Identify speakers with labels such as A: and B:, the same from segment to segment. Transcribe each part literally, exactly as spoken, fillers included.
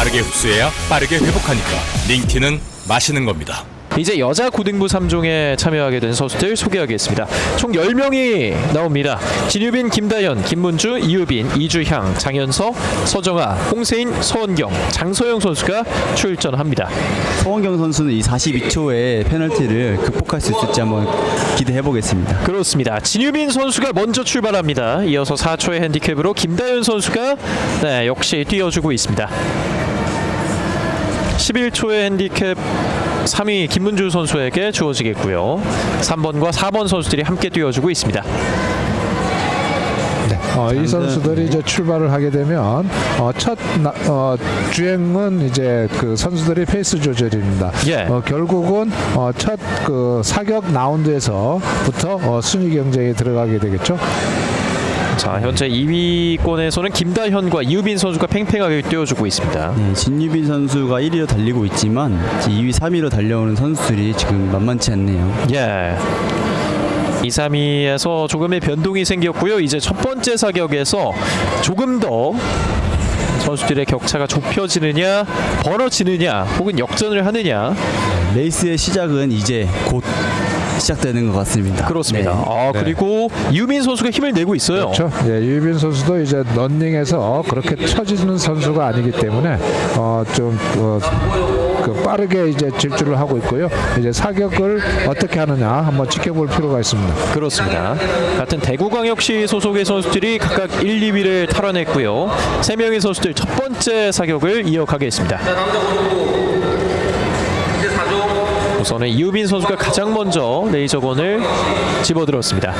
A: 빠르게 흡수해야 빠르게 회복하니까 링티는 마시는 겁니다.
B: 이제 여자 고등부 삼 종에 참여하게 된 선수들 소개하겠습니다. 총 열 명이 나옵니다. 진유빈, 김다현, 김문주, 이유빈, 이주향, 장현서, 서정아, 홍세인, 서원경, 장서영 선수가 출전합니다.
C: 서원경 선수는 이 사십이 초의 페널티를 극복할 수 있을지 한번 기대해 보겠습니다.
B: 그렇습니다. 진유빈 선수가 먼저 출발합니다. 이어서 사 초의 핸디캡으로 김다현 선수가 네, 역시 뛰어주고 있습니다. 십일 초의 핸디캡 삼 위 김문주 선수에게 주어지겠고요. 삼 번과 사 번 선수들이 함께 뛰어주고 있습니다.
D: 네, 어, 이 선수들이 이제 출발을 하게 되면 어, 첫 나, 어, 주행은 이제 그 선수들의 페이스 조절입니다.
B: 예.
D: 어, 결국은 어, 첫 그 사격 라운드에서부터 어, 순위 경쟁에 들어가게 되겠죠.
B: 자, 현재 이 위권에서는 김다현과 이유빈 선수가 팽팽하게 뛰어주고 있습니다.
C: 네, 진유빈 선수가 일 위로 달리고 있지만 이 위, 삼 위로 달려오는 선수들이 지금 만만치 않네요.
B: 예. 이, 삼 위에서 조금의 변동이 생겼고요. 이제 첫 번째 사격에서 조금 더 선수들의 격차가 좁혀지느냐, 벌어지느냐, 혹은 역전을 하느냐.
C: 레이스의 시작은 이제 곧 시작되는 것 같습니다.
B: 그렇습니다.
C: 네.
B: 아,
D: 네.
B: 그리고 이유빈 선수가 힘을 내고 있어요.
D: 그렇죠. 예, 유빈 선수도 이제 런닝에서 그렇게 처지는 선수가 아니기 때문에 어, 좀 어, 그 빠르게 이제 질주를 하고 있고요. 이제 사격을 어떻게 하느냐 한번 지켜볼 필요가 있습니다.
B: 그렇습니다. 같은 대구광역시 소속의 선수들이 각각 일, 이 위를 탈환했고요. 세 명의 선수들 첫 번째 사격을 이어가겠습니다. 우선은 이유빈 선수가 가장 먼저 레이저건을 집어들었습니다.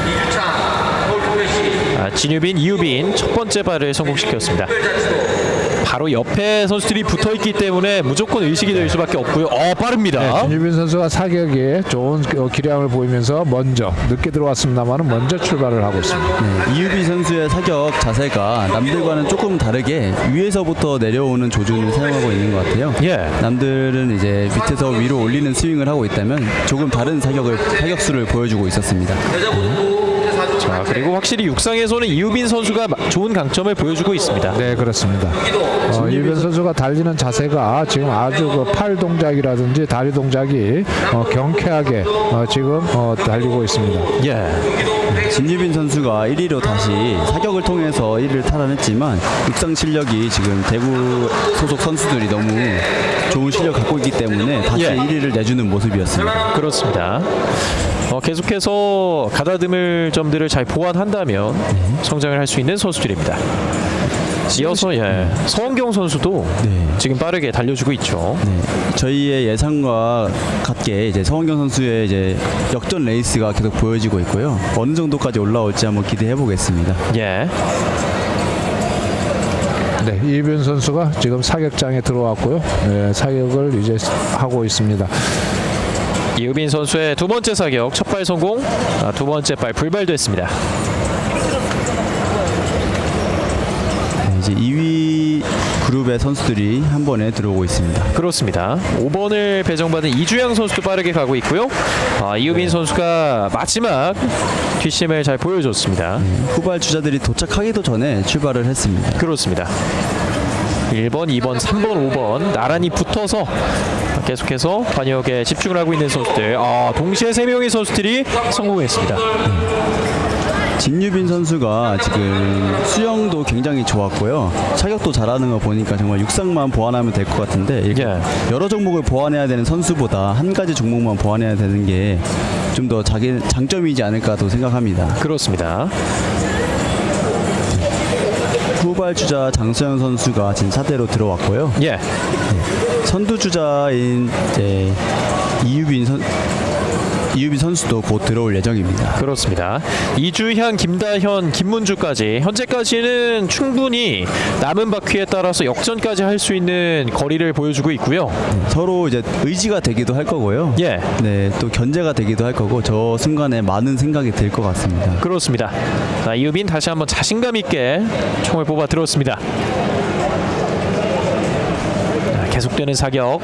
B: 아, 진유빈, 이유빈 첫 번째 발을 성공시켰습니다. 바로 옆에 선수들이 붙어있기 때문에 무조건 의식이 될 수밖에 없고요. 어, 빠릅니다.
D: 네, 진유빈 선수가 사격에 좋은 어, 기량을 보이면서 먼저 늦게 들어왔습니다만 먼저 출발을 하고 있습니다.
C: 네, 이유빈 선수의 사격 자세가 남들과는 조금 다르게 위에서부터 내려오는 조준을 사용하고 있는 것 같아요.
B: 예.
C: 남들은 이제 밑에서 위로 올리는 스윙을 하고 있다면 조금 다른 사격을 사격수를 보여주고 있었습니다.
B: 자, 그리고 확실히 육상에서는 이유빈 선수가 마- 좋은 강점을 보여주고 있습니다.
D: 네, 그렇습니다. 어, 유빈 선수가 달리는 자세가 지금 아주 그 팔 동작이라든지 다리 동작이 어, 경쾌하게 어, 지금 어, 달리고 있습니다.
B: 예.
C: 진유빈 선수가 일 위로 다시 사격을 통해서 일 위를 탈환했지만 육상 실력이 지금 대구 소속 선수들이 너무 좋은 실력 갖고 있기 때문에 다시
B: 예.
C: 일 위를 내주는 모습이었습니다.
B: 그렇습니다. 어, 계속해서 가다듬을 점들을 잘 보완한다면 성장을 할 수 있는 선수들입니다. 이어서 예, 서원경 선수도
C: 네.
B: 지금 빠르게 달려주고 있죠.
C: 네, 저희의 예상과 같게 이제 서원경 선수의 이제 역전 레이스가 계속 보여지고 있고요. 어느 정도까지 올라올지 한번 기대해 보겠습니다.
B: 예.
D: 네, 이유빈 선수가 지금 사격장에 들어왔고요. 네, 사격을 이제 하고 있습니다.
B: 이유빈 선수의 두 번째 사격 첫 발 성공, 아, 두 번째 발 불발됐습니다.
C: 네, 이제 이 위 그룹의 선수들이 한 번에 들어오고 있습니다.
B: 그렇습니다. 오 번을 배정받은 이주양 선수도 빠르게 가고 있고요. 아, 이유빈 선수가 마지막 뒷심을 잘 보여줬습니다.
C: 후발 주자들이 도착하기도 전에 출발을 했습니다.
B: 그렇습니다. 일 번, 이 번, 삼 번, 오 번 나란히 붙어서 계속해서 반역에 집중을 하고 있는 선수들. 아, 동시에 세 명의 선수들이 성공했습니다.
C: 진유빈 선수가 지금 수영도 굉장히 좋았고요. 차격도 잘하는 거 보니까 정말 육상만 보완하면 될 것 같은데 이렇게
B: 예.
C: 여러 종목을 보완해야 되는 선수보다 한 가지 종목만 보완해야 되는 게 좀 더 자기 장점이지 않을까도 생각합니다.
B: 그렇습니다.
C: 후발 주자 장서영 선수가 지금 사대로 들어왔고요.
B: 예.
C: 선두 주자인 이제 이유빈 선 이유빈 선수도 곧 들어올 예정입니다.
B: 그렇습니다. 이주향, 김다현, 김문주까지 현재까지는 충분히 남은 바퀴에 따라서 역전까지 할 수 있는 거리를 보여주고 있고요.
C: 서로 이제 의지가 되기도 할 거고요.
B: 예.
C: 네, 또 견제가 되기도 할 거고 저 순간에 많은 생각이 들 것 같습니다.
B: 그렇습니다. 자, 이유빈 다시 한번 자신감 있게 총을 뽑아 들었습니다. 자, 계속되는 사격.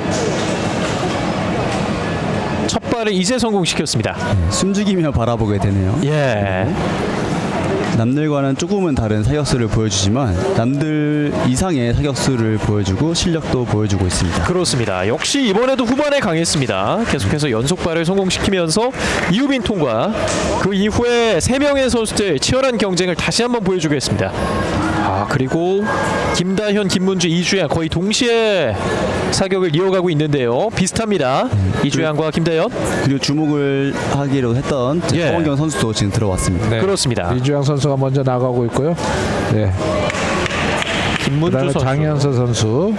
B: 첫 발을 이제 성공시켰습니다.
C: 숨죽이며 바라보게 되네요.
B: 예.
C: 남들과는 조금은 다른 사격수를 보여주지만 남들 이상의 사격수를 보여주고 실력도 보여주고 있습니다.
B: 그렇습니다. 역시 이번에도 후반에 강했습니다. 계속해서 연속발을 성공시키면서 이유빈 통과. 그 이후에 세 명의 선수들 치열한 경쟁을 다시 한번 보여주겠습니다. 아, 그리고 김다현, 김문주, 이주양 거의 동시에 사격을 이어가고 있는데요. 비슷합니다. 이주양과 김다현.
C: 그리고 주목을 하기로 했던
B: 예.
C: 서원경 선수도 지금 들어왔습니다.
D: 네.
B: 그렇습니다.
D: 이주영 선수가 먼저 나가고 있고요. 네.
B: 김문주
D: 그다음에
B: 선수.
D: 장현서 선수,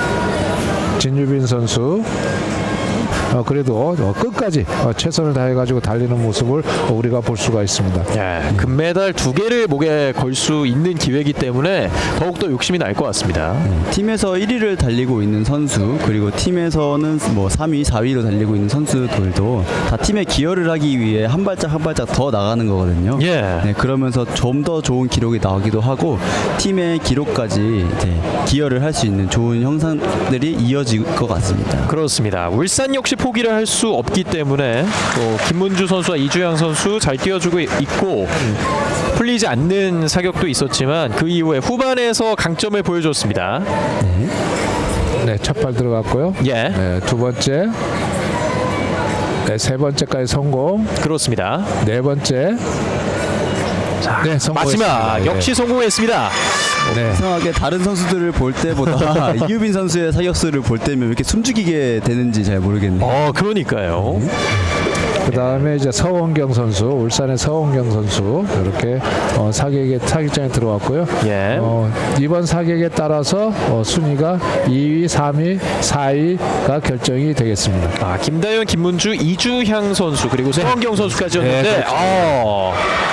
D: 진유빈 선수. 어, 그래도 어, 끝까지 어, 최선을 다해가지고 달리는 모습을 어, 우리가 볼 수가 있습니다.
B: 예, 금메달 두 개를 목에 걸 수 있는 기회이기 때문에 더욱더 욕심이 날 것 같습니다.
C: 팀에서 일 위를 달리고 있는 선수 그리고 팀에서는 뭐 삼 위, 사 위로 달리고 있는 선수들도 다 팀에 기여를 하기 위해 한 발짝 한 발짝 더 나가는 거거든요.
B: 예.
C: 네, 그러면서 좀 더 좋은 기록이 나오기도 하고 팀의 기록까지 이제 기여를 할 수 있는 좋은 형상들이 이어질 것 같습니다.
B: 그렇습니다. 울산 역시 포기를 할 수 없기 때문에 또 김문주 선수와 이주양 선수 잘 뛰어주고 있고 풀리지 않는 사격도 있었지만 그 이후에 후반에서 강점을 보여줬습니다.
D: 네, 첫 발 들어갔고요.
B: 예,
D: 네, 두 번째, 네, 세 번째까지 성공.
B: 그렇습니다.
D: 네 번째,
B: 자,
D: 네, 성공했습니다.
B: 마지막 역시 성공했습니다.
D: 네.
C: 이상하게 다른 선수들을 볼 때보다 이유빈 선수의 사격수를 볼 때면 왜 이렇게 숨죽이게 되는지 잘 모르겠네요.
B: 어, 그러니까요.
D: 그 다음에 이제 서원경 선수, 울산의 서원경 선수 이렇게 어, 사격에 사격장에 들어왔고요.
B: 예.
D: 어, 이번 사격에 따라서 어, 순위가 이 위, 삼 위, 사 위가 결정이 되겠습니다.
B: 아, 김다현, 김문주, 이주향 선수 그리고 서원경 선수까지였는데
D: 네, 그렇죠.
B: 어,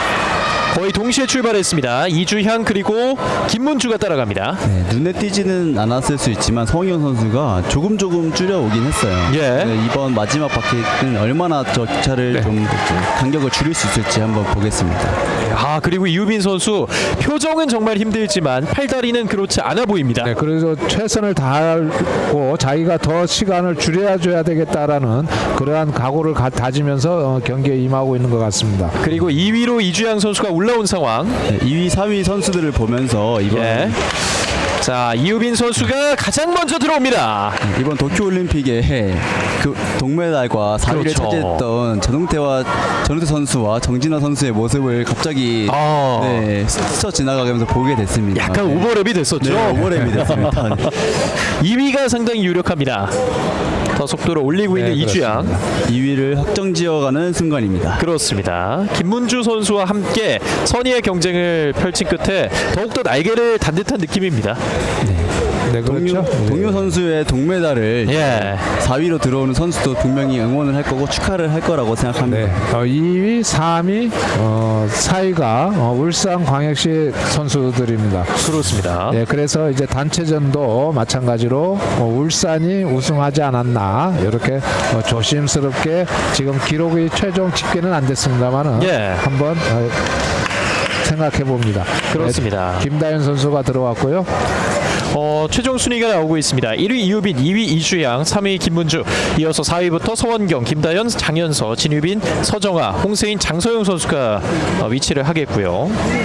B: 거의 동시에 출발했습니다. 이주향 그리고 김문주가 따라갑니다.
C: 네, 눈에 띄지는 않았을 수 있지만 서원경 선수가 조금 조금 줄여오긴 했어요.
B: 예.
C: 네, 이번 마지막 바퀴는 얼마나 저 차를
D: 네.
C: 좀 간격을 줄일 수 있을지 한번 보겠습니다.
B: 아, 그리고 이유빈 선수 표정은 정말 힘들지만 팔다리는 그렇지 않아 보입니다.
D: 네, 그래서 최선을 다하고 자기가 더 시간을 줄여줘야 되겠다라는 그러한 각오를 가, 다지면서 어, 경기에 임하고 있는 것 같습니다.
B: 그리고 이 위로 이주향 선수가 올라온 상황.
C: 네, 이 위, 삼 위 선수들을 보면서 이번
B: 예. 자, 이유빈 선수가 가장 먼저 들어옵니다.
C: 이번 도쿄올림픽에 그 동메달과 사 위를
B: 그렇죠.
C: 차지했던 전웅태와 전웅태 선수와 정진화 선수의 모습을 갑자기
B: 아.
C: 네, 스쳐 지나가면서 보게 됐습니다.
B: 약간
C: 네.
B: 오버랩이 됐었죠.
C: 네, 오버랩이 됐습니다. 네.
B: 이 위가 상당히 유력합니다. 더 속도를 올리고 있는
D: 네,
B: 이주양.
C: 이 위를 확정지어가는 순간입니다.
B: 그렇습니다. 김문주 선수와 함께 선의의 경쟁을 펼친 끝에 더욱더 날개를 단 듯한 느낌입니다.
D: 네,
C: 동료,
D: 그렇죠.
C: 동료 선수의 동메달을
B: 예.
C: 사 위로 들어오는 선수도 분명히 응원을 할 거고 축하를 할 거라고 생각합니다.
D: 네, 어, 이 위, 삼 위, 어, 사 위가 어, 울산광역시 선수들입니다.
B: 그렇습니다.
D: 네, 그래서 이제 단체전도 마찬가지로 어, 울산이 우승하지 않았나 이렇게 어, 조심스럽게 지금 기록이 최종 집계는 안 됐습니다만은
B: 예.
D: 한번 어, 생각해 봅니다.
B: 그렇습니다.
D: 네, 김다현 선수가 들어왔고요.
B: 어, 최종 순위가 나오고 있습니다. 일 위 이유빈, 이 위 이주양, 삼 위 김문주, 이어서 사 위부터 서원경, 김다현, 장현서, 진유빈, 서정아, 홍세인, 장서영 선수가 어, 위치를 하겠고요.